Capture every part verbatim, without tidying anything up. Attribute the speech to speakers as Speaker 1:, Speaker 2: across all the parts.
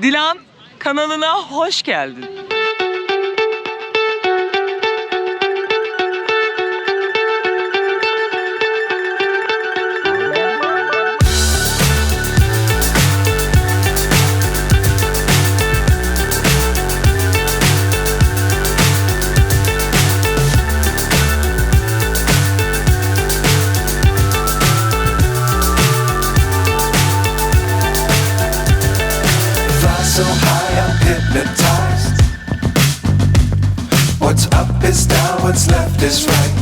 Speaker 1: Dilan kanalına hoş geldin.
Speaker 2: So high I'm hypnotized. What's up is down, what's left is right.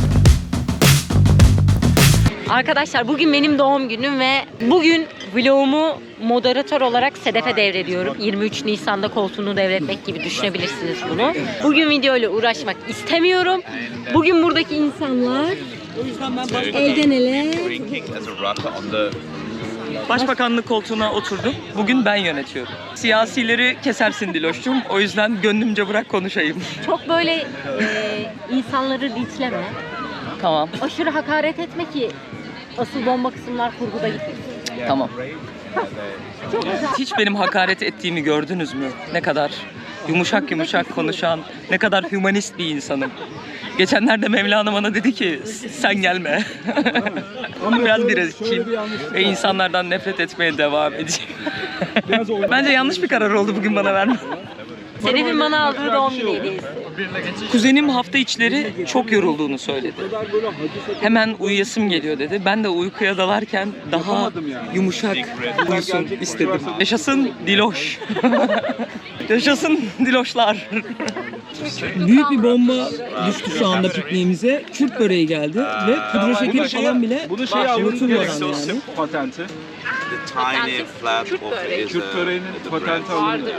Speaker 3: Arkadaşlar bugün benim doğum günüm ve bugün vlogumu moderatör olarak Sedef'e devrediyorum. yirmi üç Nisan'da koltuğunu devretmek gibi düşünebilirsiniz bunu. Bugün videoyla uğraşmak istemiyorum. Bugün buradaki insanlar elden ele.
Speaker 1: Başbakanlık koltuğuna oturdum. Bugün ben yönetiyorum. Siyasileri kesersin Diloş'cum. O yüzden gönlümce bırak konuşayım.
Speaker 3: Çok böyle e, insanları linçleme.
Speaker 1: Tamam.
Speaker 3: Aşırı hakaret etme ki asıl bomba kısımlar kurguda gitmesin.
Speaker 1: Tamam.
Speaker 3: Çok güzel.
Speaker 1: Hiç benim hakaret ettiğimi gördünüz mü? Ne kadar yumuşak yumuşak konuşan, ne kadar hümanist bir insanım. Geçenlerde Mevlana bana dedi ki sen gelme. Biraz biraz kim ve insanlardan nefret etmeye devam edeceğim. Bence yanlış bir karar oldu bugün bana verme.
Speaker 3: Sedef'in bana aldığı doğum günü hediyesi.
Speaker 1: Kuzenim hafta içleri çok yorulduğunu söyledi. Hemen uyuyasım geliyor dedi. Ben de uykuya dalarken daha yumuşak uyusun istedim. Yaşasın Diloş. Yaşasın Diloşlar. Büyük bir bomba düştü şu anda pikniğimize. Kürt böreği geldi ve pudra şekeri falan bile unutulmadan yani.
Speaker 4: Patenti.
Speaker 5: Tiny flat
Speaker 3: Kürt
Speaker 5: of
Speaker 3: böreği.
Speaker 5: is
Speaker 4: Kürt böreğinin patenti alınıyor.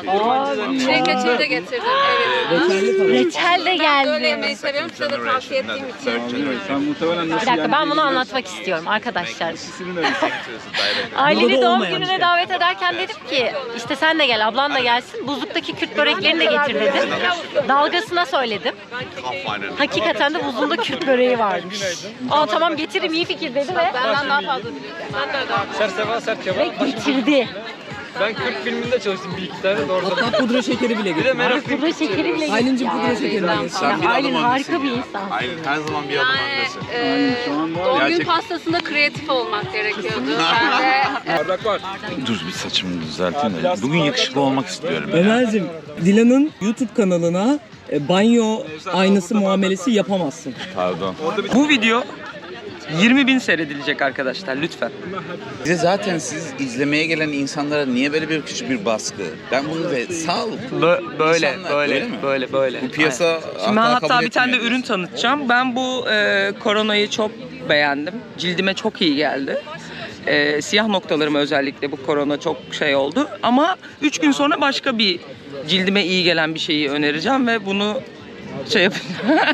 Speaker 6: Reçel de getirdim. Evet.
Speaker 1: Reçelli falan.
Speaker 3: Reçel de
Speaker 6: Böyle
Speaker 3: geldi.
Speaker 6: yemeği seviyorum. Size de tavsiye ettiğim için.
Speaker 4: Sen muhtemelen
Speaker 3: Bir
Speaker 4: nasıl
Speaker 3: dakika ben bunu anlatmak istiyorum arkadaşlar.
Speaker 4: İkisinin arası.
Speaker 3: Ailemi
Speaker 1: Burada
Speaker 3: doğum
Speaker 1: olmayan
Speaker 3: gününe
Speaker 1: şey.
Speaker 3: davet ederken dedim ki işte sen de gel, ablan da gelsin. Buzluktaki Kürt böreklerini de getir dedim. Dalgasına söyledim. Hakikaten de buzluğunda Kürt böreği varmış. Aa tamam getiririm, iyi fikir dedi ve
Speaker 6: Benden daha fazla biliyorum. Sen de öyle.
Speaker 7: Serseva sert
Speaker 3: ve
Speaker 7: kebap.
Speaker 3: getirdi.
Speaker 7: Ben Kürt filminde çalıştım bir iki tane de orada.
Speaker 1: Hatta pudra şekeri bile
Speaker 7: Bir de
Speaker 1: getirdi.
Speaker 7: merak
Speaker 3: Pudra şekeri bile
Speaker 1: Aylin'cim
Speaker 3: getirdi.
Speaker 1: pudra şekeri bile getirdi.
Speaker 5: Sen bir
Speaker 3: Aylin
Speaker 5: adım
Speaker 3: harika
Speaker 5: öndesin
Speaker 3: bir
Speaker 5: ya.
Speaker 3: insan.
Speaker 5: Aylin her zaman bir adım öndesin.
Speaker 6: Ee,
Speaker 4: Şu an var.
Speaker 6: doğum gün
Speaker 5: Gerçek-
Speaker 6: pastasında kreatif olmak gerekiyordu. Ben de
Speaker 4: Bardak var.
Speaker 8: Dur bir saçımı düzelteyim de. Bugün yakışıklı olmak istiyorum. ya.
Speaker 1: Ömer'cim, Dilan'ın YouTube kanalına e, banyo aynası muamelesi yapamazsın.
Speaker 8: Pardon.
Speaker 1: Bu video yirmi bin seyredilecek arkadaşlar lütfen.
Speaker 8: Bize zaten siz izlemeye gelen insanlara niye böyle bir küçük bir baskı? Ben bunu ve sağ olun.
Speaker 1: Bö- böyle,
Speaker 8: İnsanlar-
Speaker 1: böyle,
Speaker 8: öyle mi?
Speaker 1: böyle, böyle.
Speaker 8: Bu piyasa
Speaker 1: Aynen. Şimdi ben
Speaker 8: hatta
Speaker 1: hatta
Speaker 8: kabul
Speaker 1: bir tane de
Speaker 8: etmiyor
Speaker 1: ürün tanıtacağım. Ben bu e, koronayı çok beğendim. Cildime çok iyi geldi. E, siyah noktalarıma özellikle bu korona çok şey oldu. Ama üç gün sonra başka bir cildime iyi gelen bir şeyi önereceğim ve bunu şey yapacağım.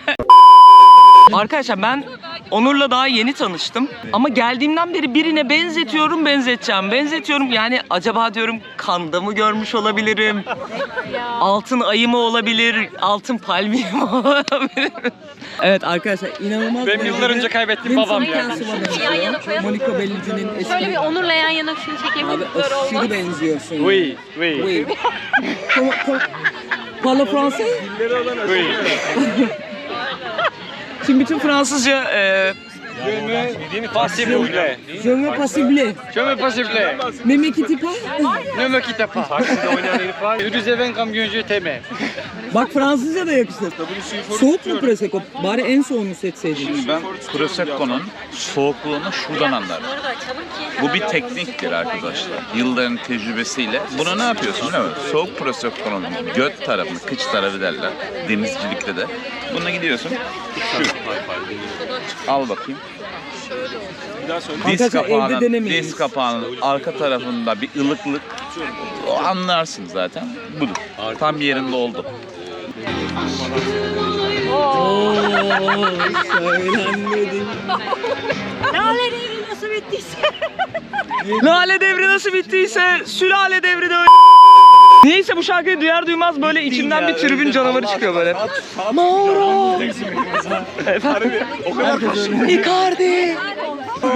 Speaker 1: Arkadaşlar ben Onur'la daha yeni tanıştım. Ama geldiğimden beri birine benzetiyorum, benzeteceğim. Benzetiyorum yani acaba diyorum kanda mı görmüş olabilirim? Altın ayı mı olabilir? Altın palmiye mi olabilir? Evet arkadaşlar inanılmaz.
Speaker 7: Benim yıllar önce kaybettiğim babam yani.
Speaker 3: Yan yana koyalım.
Speaker 1: Monica Bellici'nin eski...
Speaker 3: Şöyle bir Onur'la yan yana şunu çekeyim.
Speaker 1: Abi
Speaker 3: Böyle olmaz.
Speaker 1: aşırı benziyorsun.
Speaker 7: Oui, oui.
Speaker 1: Oui. Comment- comment- Parle français?
Speaker 7: Oui.
Speaker 1: Şimdi bütün Fransızca e,
Speaker 7: Pas s'il vous plaît.
Speaker 1: je me possible.
Speaker 7: Je me pas s'il vous plaît.
Speaker 1: Ne me quitte pas.
Speaker 7: Ne me quitte pas. Takside oynayan herif var. Yürüzeven kamyoncu teme.
Speaker 1: Bak Fransızca da yakışır. Soğuk mu Prosecco? Bari en soğuğunu seçseydin.
Speaker 8: Ben Prosecco'nun soğukluğunu şuradan anlarım.
Speaker 3: Bunları da açalım ki.
Speaker 8: Bu bir tekniktir arkadaşlar. Yılların tecrübesiyle. Bunu ne yapıyorsun değil mi? Soğuk Prosecco'nun göt tarafını, kıç tarafı derler. Denizcilikte de. Bununla gidiyorsun. Şu. Al bakayım. Diz
Speaker 1: Arkadaşlar, evde
Speaker 8: kapağının,
Speaker 1: denemeyin.
Speaker 8: diz kapağının arka tarafında bir ılıklık. O anlarsın zaten. Budur. Tam yerinde oldu.
Speaker 1: Oo, söylenmedi.
Speaker 3: Lale devri nasıl bittiyse.
Speaker 1: Lale devri nasıl bittiyse sülale devri de öyle. Neyse bu şarkıyı duyar duymaz böyle içimden bir tribün canavarı çıkıyor böyle. Mauro! Efendim? Icardi!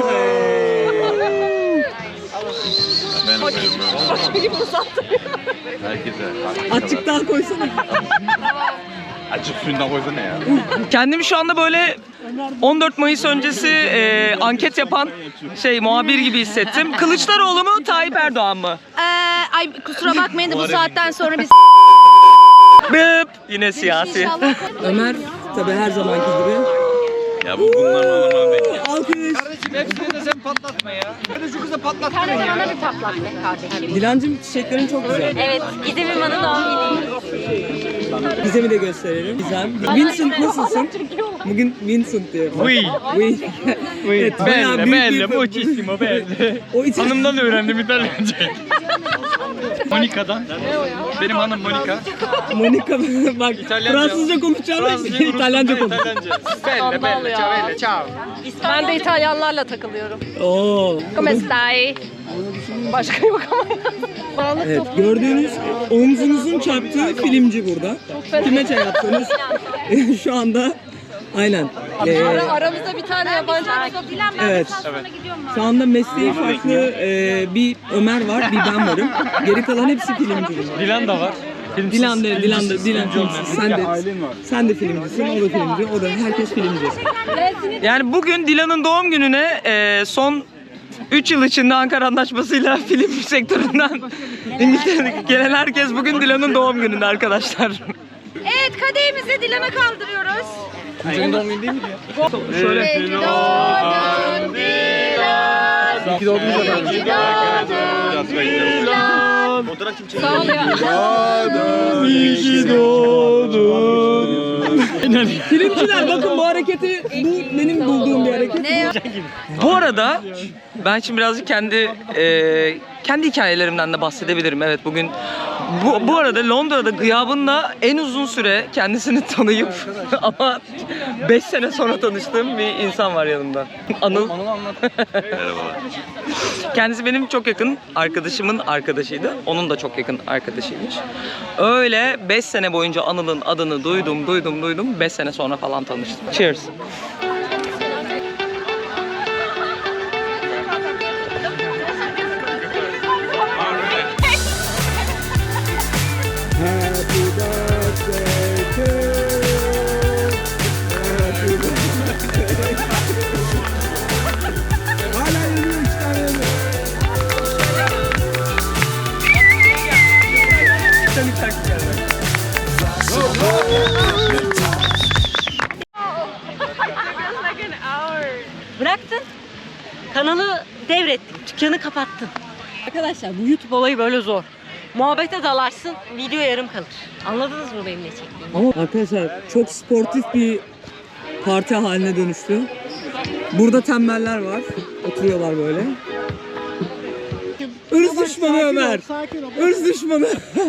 Speaker 8: Ben Herkese.
Speaker 1: Açık daha koysana.
Speaker 8: Açık suyundan koysana ya.
Speaker 1: Kendimi şu anda böyle on dört Mayıs öncesi e, anket yapan şey muhabir gibi hissettim. Kılıçdaroğlu mu, Tayyip Erdoğan mı?
Speaker 6: Ee, ay kusura bakmayın da bu saatten sonra biz
Speaker 1: Bıp. Yine siyasi. Ömer tabii her zamanki gibi.
Speaker 8: Ya bu bunlar normal değil.
Speaker 1: Alkış.
Speaker 7: Hepsini de sen patlatma ya. Hadi şu kızı patlat.
Speaker 3: Sen de bana bir patlat be kardeşim.
Speaker 1: Dilancım çiçeklerin çok güzel.
Speaker 3: Evet, Gizem'in bana doğum günü.
Speaker 1: Gizem'i de gösterelim. Gizem. Vincent nasılsın? Bugün Vincent diyor.
Speaker 7: Oui.
Speaker 1: Oui. Evet, bayağı
Speaker 7: Belle,
Speaker 1: büyük
Speaker 7: belle,
Speaker 1: bir-
Speaker 7: muchissimo belle.
Speaker 1: O için
Speaker 7: Hanımdan öğrendim İtalyanca. Monika'dan. Benim hanım Monika.
Speaker 1: Monika bak
Speaker 7: İtalyanca.
Speaker 1: Fransızca konuşacağım
Speaker 7: Fransızca,
Speaker 1: İtalyanca konuş.
Speaker 7: İtalyanca. Belle, belle, ciao, belle, ciao.
Speaker 6: ben de İtalyanlarla takılıyorum.
Speaker 1: Oo.
Speaker 6: Come stai? Başka yok ama.
Speaker 1: Evet, gördüğünüz omzunuzun çarptığı filmci burada. Kime çay yaptınız? Şu anda aynen. Ee,
Speaker 6: Aramızda bir tane yabancı arkadaş.
Speaker 1: evet. Şu anda mesleği farklı ee, bir Ömer var, bir ben varım. Geri kalan hepsi filmci.
Speaker 7: Dilan da var. Filmsiz.
Speaker 1: Dilan da, Dilan da,
Speaker 7: Filmsiz,
Speaker 1: Dilan
Speaker 7: filmci olmayan.
Speaker 1: filmsiz. Sen de, sen de filmcisin, o da filmci, o da herkes filmci. Yani bugün Dilan'ın doğum gününe ee, son üç yıl içinde Ankara Anlaşması'yla film sektöründen İngiltere'deki gelen herkes bugün Dilan'ın doğum gününde arkadaşlar.
Speaker 6: Evet, kadehimizi Dilan'a kaldırıyoruz.
Speaker 7: Senin doğum günün değil mi ya?
Speaker 1: Şöyle.
Speaker 6: İyi ki doğdun Dilan.
Speaker 7: İyi ki doğdunuz efendim.
Speaker 6: Sağ ol ya.
Speaker 1: İyi ki doğdun. Filmciler bakın bu hareketi, bu benim bulduğum bir hareket.
Speaker 6: Ne ya?
Speaker 1: Bu arada ben şimdi birazcık kendi e, kendi hikayelerimden de bahsedebilirim. Evet bugün bu, bu arada Londra'da gıyabında en uzun süre kendisini tanıyıp ama beş sene sonra tanıştığım bir insan var yanımda. Anıl.
Speaker 8: Merhabalar.
Speaker 1: Kendisi benim çok yakın arkadaşımın arkadaşıydı. Onun da çok yakın arkadaşıymış. Öyle beş sene boyunca Anıl'ın adını duydum, duydum, duydum. beş sene sonra falan tanıştım. Cheers.
Speaker 3: Bıraktın. Kanalı devrettin. Dükkanı kapattın. Arkadaşlar bu YouTube olayı böyle zor. Muhabbete dalarsın, video yarım kalır. Anladınız mı benim ne çektiğimi?
Speaker 1: Ama arkadaşlar çok sportif bir parti haline dönüştü. Burada tembeller var. Oturuyorlar böyle. Irz düşmanı Ömer. Irz düşmanı.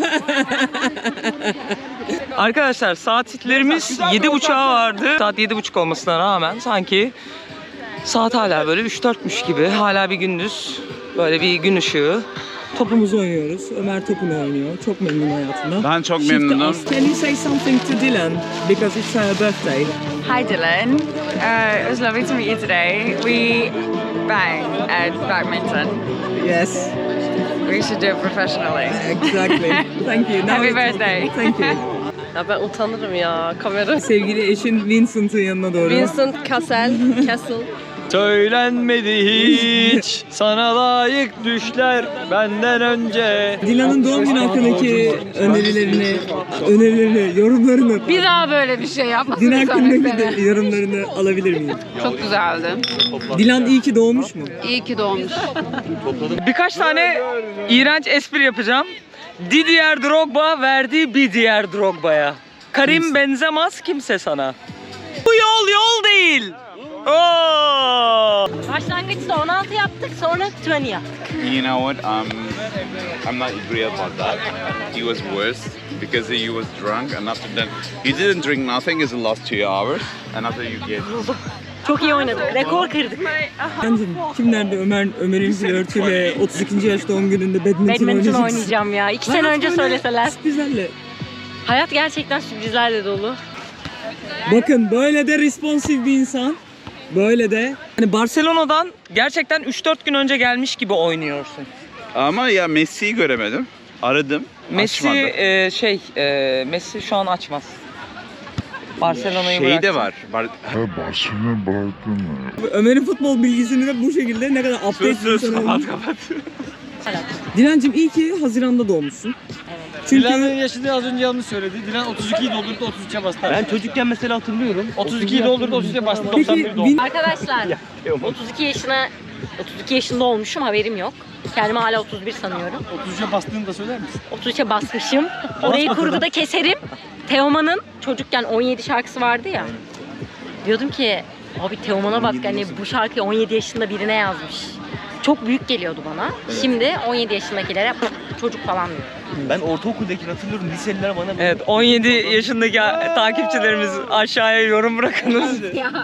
Speaker 1: Arkadaşlar saatlerimiz yedi buçuğa vardı. Saat yedi buçuk olmasına rağmen sanki saat hala böyle üç dörtmüş gibi. Hala bir gündüz. Böyle bir gün ışığı. Topumuzu oynuyoruz. Ömer topunu oynuyor. Çok memnun hayatından.
Speaker 8: Ben çok
Speaker 1: Shift
Speaker 8: memnunum.
Speaker 1: us. Can you say something to Dylan? Because it's her birthday.
Speaker 9: Hi Dylan, uh, it was lovely to meet you today. We bang at badminton.
Speaker 1: Yes.
Speaker 9: We should do it professionally.
Speaker 1: Exactly. Thank you. Now
Speaker 9: Happy
Speaker 1: it's-
Speaker 9: birthday.
Speaker 1: Thank you.
Speaker 6: Ya ben utanırım ya kamera.
Speaker 1: Sevgili eşin Vincent'ın yanına doğru.
Speaker 6: Vincent Cassel, Castle.
Speaker 7: Söylenmedi hiç sana layık düşler benden önce.
Speaker 1: Dilan'ın doğum günü hakkındaki önerilerini, önerilerini, yorumlarını,
Speaker 6: Bir daha böyle bir şey yapmasın
Speaker 1: Dilan
Speaker 6: bir sonraki
Speaker 1: hakkındaki
Speaker 6: sene.
Speaker 1: de yorumlarını alabilir miyim?
Speaker 6: Çok güzeldi.
Speaker 1: Dilan iyi ki doğmuş mu?
Speaker 6: İyi ki doğmuş.
Speaker 1: Birkaç tane iğrenç espri yapacağım. Didier Drogba verdi bir diğer Drogba'ya. Karim benzemez kimse sana. Bu yol yol değil. Oo!
Speaker 3: Başlangıçta on altı yaptık, sonra yirmi yaptık.
Speaker 8: You know what? Um, I'm not agree about that. He was worse because he was drunk, and after that, he didn't drink nothing. He lost two hours, and after you get.
Speaker 3: Çok iyi oynadık, rekor kırdık.
Speaker 1: Bence kim nerede Ömer Ömer'in flörtüyle otuz ikinci yaş doğum gününde badminton,
Speaker 3: Badminton
Speaker 1: oynayacaksın?
Speaker 3: oynayacağım ya. İki sene
Speaker 1: Hayat
Speaker 3: önce
Speaker 1: böyle
Speaker 3: söyleseler.
Speaker 1: Sürprizlerle.
Speaker 3: Hayat gerçekten sürprizlerle dolu.
Speaker 1: Bakın böyle de responsif bir insan. Böyle de. Hani Barcelona'dan gerçekten üç dört gün önce gelmiş gibi oynuyorsun.
Speaker 8: Ama ya Messi'yi göremedim. Aradım.
Speaker 1: Messi
Speaker 8: açmadı.
Speaker 1: e, şey e, Messi şu an açmaz. Barcelona'yı
Speaker 8: Şey
Speaker 1: bıraktı.
Speaker 8: de var. Bar
Speaker 10: Ömer'in futbol bilgisini de bu şekilde ne kadar update
Speaker 8: Söz söz
Speaker 10: bir insan
Speaker 8: kapat
Speaker 10: olmuş.
Speaker 8: kapat.
Speaker 10: Dilancım iyi ki Haziran'da doğmuşsun. Çünkü
Speaker 7: Dilan'ın yaşını az önce yanlış söyledi. Dilan otuz ikiyi doldurdu, otuz üçe bastı.
Speaker 10: ben çocukken mesela hatırlıyorum.
Speaker 7: otuz ikiyi doldurdu, otuz üçe bastı.
Speaker 10: Peki
Speaker 7: doksan bir doğdu.
Speaker 10: bin-
Speaker 3: Arkadaşlar otuz iki yaşına otuz iki yaşında olmuşum, haberim yok. Kendimi hala otuz bir sanıyorum.
Speaker 7: otuz üçe bastığını da söyler misin?
Speaker 3: otuz üçe basmışım. Orayı kurguda keserim. Teoman'ın çocukken on yedi şarkısı vardı ya. Diyordum ki abi Teoman'a bak, hani bu şarkıyı on yedi yaşında birine yazmış. Çok büyük geliyordu bana. Şimdi on yedi yaşındakilere çocuk falan diyor.
Speaker 10: Ben ortaokuldakini hatırlıyorum. Liseliler bana
Speaker 1: Evet, on yedi yaşındaki takipçilerimiz aşağıya yorum bırakınız.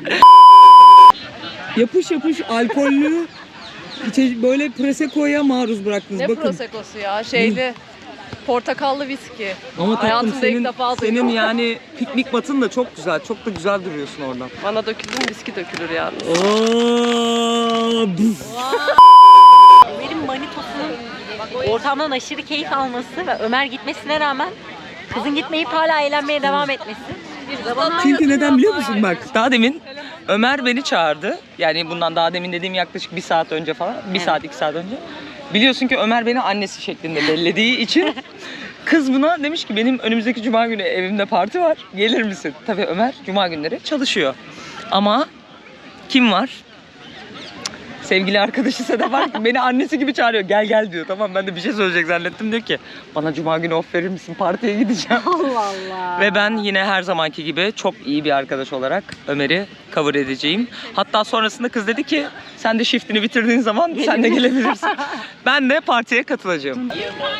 Speaker 10: yapış yapış alkollü içe- böyle Prosecco'ya maruz bıraktınız.
Speaker 6: Ne
Speaker 10: Bakın.
Speaker 6: Prosecco'su ya? Şeyli portakallı viski.
Speaker 10: Ama tatlım
Speaker 6: Hayatımda ilk
Speaker 10: senin,
Speaker 6: defa duydum.
Speaker 10: senin yani piknik batın da çok güzel. Çok da güzel duruyorsun oradan.
Speaker 6: Bana döküldü mü viski dökülür ya.
Speaker 10: Oo, buf.
Speaker 3: Ömer'in manitosunun ortamdan aşırı keyif alması ve Ömer gitmesine rağmen kızın gitmeyip hala eğlenmeye devam etmesi. Bir zaman
Speaker 10: Çünkü neden biliyor musun bak?
Speaker 1: Daha demin Ömer beni çağırdı. Yani bundan daha demin dediğim yaklaşık bir saat önce falan. Bir saat, iki saat önce. Biliyorsun ki Ömer beni annesi şeklinde bellediği için kız buna demiş ki benim önümüzdeki cuma günü evimde parti var. Gelir misin? Tabii Ömer cuma günleri çalışıyor. Ama kim var? Sevgili arkadaşı Sedef var ki beni annesi gibi çağırıyor. Gel gel diyor. Tamam, ben de bir şey söyleyecek zannettim. Diyor ki bana cuma günü off verir misin? Partiye gideceğim.
Speaker 3: Allah Allah.
Speaker 1: Ve ben yine her zamanki gibi çok iyi bir arkadaş olarak Ömer'i cover edeceğim. Hatta sonrasında kız dedi ki sen de shiftini bitirdiğin zaman sen de gelebilirsin. Ben de partiye katılacağım.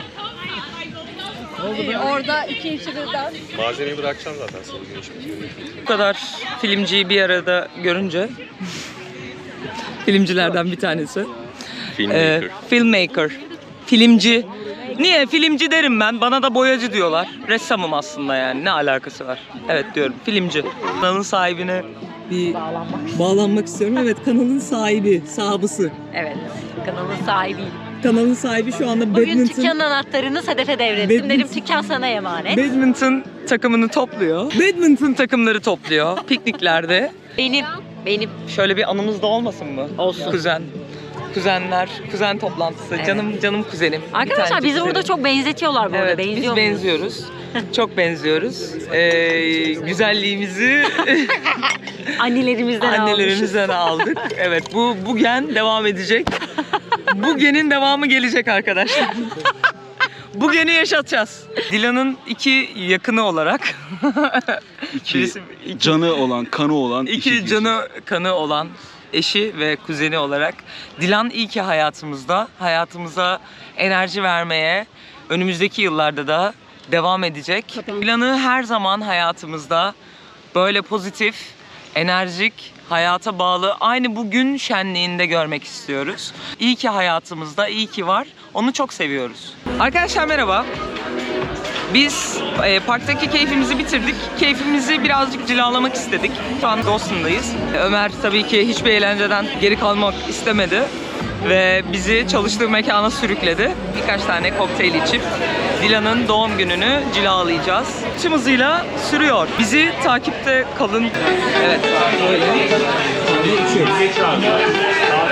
Speaker 6: Orada iki işi birden.
Speaker 7: Malzemeyi bırakacağım zaten sana.
Speaker 1: Bu kadar filmciyi bir arada görünce filmcilerden bir tanesi. Filmmaker. Ee, filmmaker. Filmci. Niye? Filmci derim ben. Bana da boyacı diyorlar. Ressamım aslında yani. Ne alakası var? Evet diyorum. Filmci. Kanalın sahibine
Speaker 10: Bir bağlanmak istiyorum. Evet, kanalın sahibi, sahibizi.
Speaker 3: Evet, kanalın sahibiyim.
Speaker 10: Kanalın sahibi şu anda
Speaker 3: Bugün
Speaker 10: badminton.
Speaker 3: dükkanın anahtarını Sedef'e devrettim.
Speaker 10: Badminton-
Speaker 3: Dedim dükkan sana emanet.
Speaker 1: badminton takımını topluyor. Badminton takımları topluyor. Pikniklerde.
Speaker 3: Benim, benim.
Speaker 1: Şöyle bir anımız da olmasın mı?
Speaker 3: Olsun.
Speaker 1: Kuzen. Kuzenler, kuzen toplantısı.
Speaker 3: Evet.
Speaker 1: Canım canım kuzenim. Bir
Speaker 3: Arkadaşlar
Speaker 1: tanecik
Speaker 3: bizi burada
Speaker 1: kuzenim.
Speaker 3: çok benzetiyorlar bu arada.
Speaker 1: Evet,
Speaker 3: Benziyor
Speaker 1: biz
Speaker 3: muyuz?
Speaker 1: benziyoruz. Çok benziyoruz. Ee, güzelliğimizi
Speaker 3: Annelerimizden almışız.
Speaker 1: annelerimizden aldık. Evet, bu bu gen devam edecek. Bu genin devamı gelecek arkadaşlar. Bu geni yaşatacağız. Dilan'ın iki yakını olarak.
Speaker 4: İki
Speaker 1: Birisi- iki-
Speaker 4: canı olan, kanı olan.
Speaker 1: İki canı kanı olan eşi ve kuzeni olarak Dilan iyi ki hayatımızda. Hayatımıza enerji vermeye önümüzdeki yıllarda da devam edecek. Dilan'ı her zaman hayatımızda böyle pozitif, enerjik, hayata bağlı, aynı bugün şenliğinde görmek istiyoruz. İyi ki hayatımızda, iyi ki var. Onu çok seviyoruz. Arkadaşlar merhaba. Biz e, parktaki keyfimizi bitirdik. Keyfimizi birazcık cilalamak istedik. Şu an Dawson'dayız. Ömer tabii ki hiçbir eğlenceden geri kalmak istemedi. Ve bizi çalıştığı mekana sürükledi. Birkaç tane kokteyl içip Dilan'ın doğum gününü cilalayacağız. Tüm hızıyla sürüyor. Bizi takipte kalın. Evet, böyle.